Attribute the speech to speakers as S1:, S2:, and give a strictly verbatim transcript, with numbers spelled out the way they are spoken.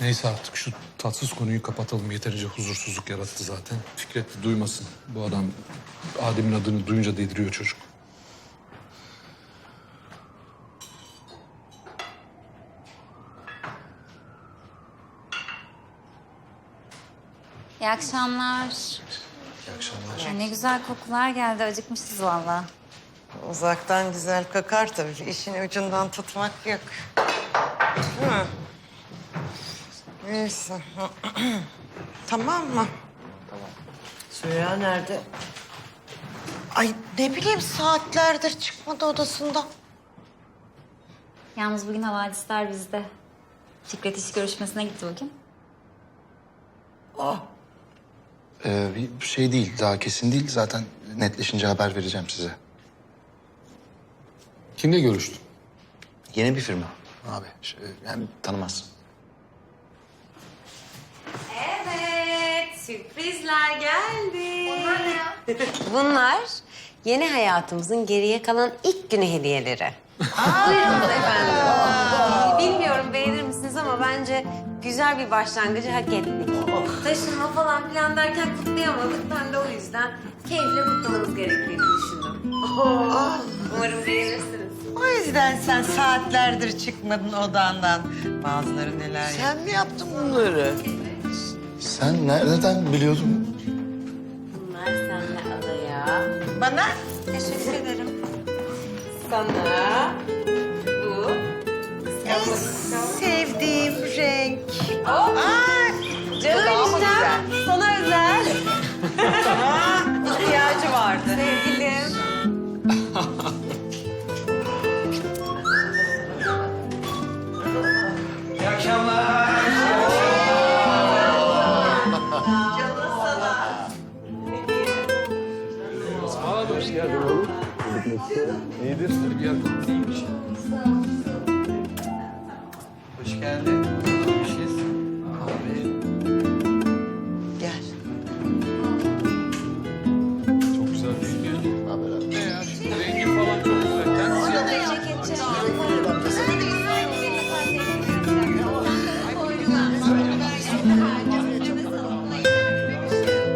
S1: Neyse artık şu tatsız konuyu kapatalım. Yeterince huzursuzluk yarattı zaten. Fikret de duymasın. Bu adam Adem'in adını duyunca deliriyor çocuk.
S2: İyi akşamlar.
S1: İyi akşamlar.
S2: Ya ne güzel kokular geldi. Acıkmışız vallahi.
S3: Uzaktan güzel kakar tabii. İşin ucundan tutmak yok. Değil mi? Neyse. Tamam mı?
S4: Süreyya nerede?
S3: Ay ne bileyim saatlerdir çıkmadı odasından.
S2: Yalnız bugün havadisler bizde. Fikret iş görüşmesine gitti bugün.
S4: Ah,
S5: Ee, bir şey değil, daha kesin değil. Zaten netleşince haber vereceğim size.
S1: Kimle görüştün?
S5: Yeni bir firma abi. Şey, yani tanımaz.
S6: Evet, sürprizler geldi. Bunlar ne ya? Bunlar yeni hayatımızın geriye kalan ilk günü hediyeleri. Buyurunuz efendim. Bilmiyorum beğenir misiniz ama bence güzel bir başlangıcı hak ettik. Taşınma falan filan derken kutlayamadık. Ben de o yüzden keyifle kutlamamız gerektiğini düşündüm. Umarım beğenirsiniz.
S3: O yüzden sen saatlerdir çıkmadın odandan. Bazıları neler yapıyor.
S4: sen mi yaptın bunları?
S5: Sen nereden biliyordun?
S6: Bunlar seninle adaya.
S3: Bana
S6: Teşekkür ederim. Sana bu.
S3: en sevdiğim renk.
S6: Oh.
S3: Ay,
S6: Canım
S3: daha mı
S6: eniştem, sana özel.
S3: ihtiyacı vardı.
S6: Sevgilim.
S7: İyi akşamlar.